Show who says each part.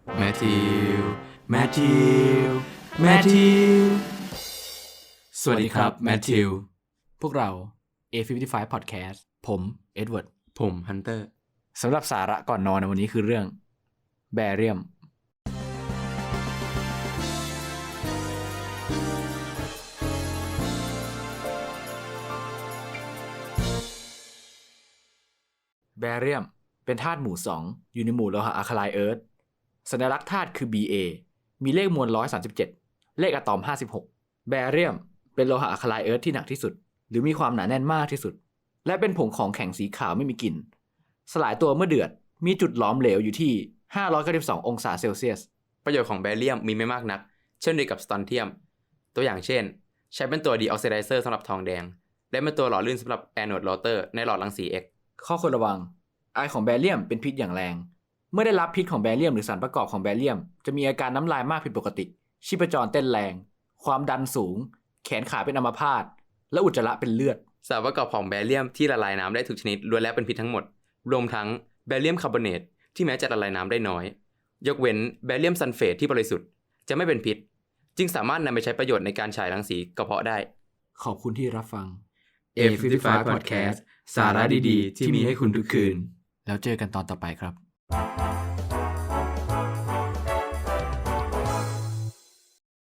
Speaker 1: แมทธิวแมทธิวแมทธิวสวัสดีครับแมทธิว
Speaker 2: พวกเรา A55 Podcast ผมเอ็ดเวิร์ด
Speaker 1: ผมฮันเตอร์
Speaker 2: สำหรับสาระก่อนนอนในวันนี้คือเรื่องแบเรียมแบเรียมเป็นธาตุหมู่ 2อยู่ในหมู่โลหะอะคาไลน์เอิร์ธสัญลักษณ์ธาตุคือ Ba มีเลขมวล137เลขอะตอม56แบเรียมเป็นโลหะอะคาไลน์เอิร์ธที่หนักที่สุดหรือมีความหนาแน่นมากที่สุดและเป็นผงของแข็งสีขาวไม่มีกลิ่นสลายตัวเมื่อเดือดมีจุดหลอมเหลวอยู่ที่592องศาเซลเซียส
Speaker 1: ประโยชน์ของแบเรียมมีไม่มากนักเช่นเดียวกับสตอนเทียมตัวอย่างเช่นใช้เป็นตัวดีออกซิไดเซอร์สำหรับทองแดงและเป็นตัวหล่อลื่นสำหรับแอนโอดโรเตอร์ในหลอดรังสี X
Speaker 2: ข้อควรระวังไอของแบเรียมเป็นพิษอย่างแรงเมื่อได้รับพิษของแบเรียมหรือสารประกอบของแบเรียมจะมีอาการน้ำลายมากผิดปกติชีพจรเต้นแรงความดันสูงแขนขาเป็นอัมพาตและอุจจาระเป็นเลือด
Speaker 1: สารประกอบของแบเรียมที่ละลายน้ำได้ทุกชนิดล้วนแล้วเป็นพิษทั้งหมดรวมทั้งแบเรียมคาร์บอเนตที่แม้จะละลายน้ำได้น้อยยกเว้นแบเรียมซัลเฟตที่บริสุทธิ์จะไม่เป็นพิษจึงสามารถนำไปใช้ประโยชน์ในการฉายรังสีกระเพาะได้
Speaker 2: ขอบคุณที่รับฟัง
Speaker 1: A55 Podcast สาระดีๆที่มีให้คุณทุกคืน
Speaker 2: แล้วเจอกันตอนต่อไปครับ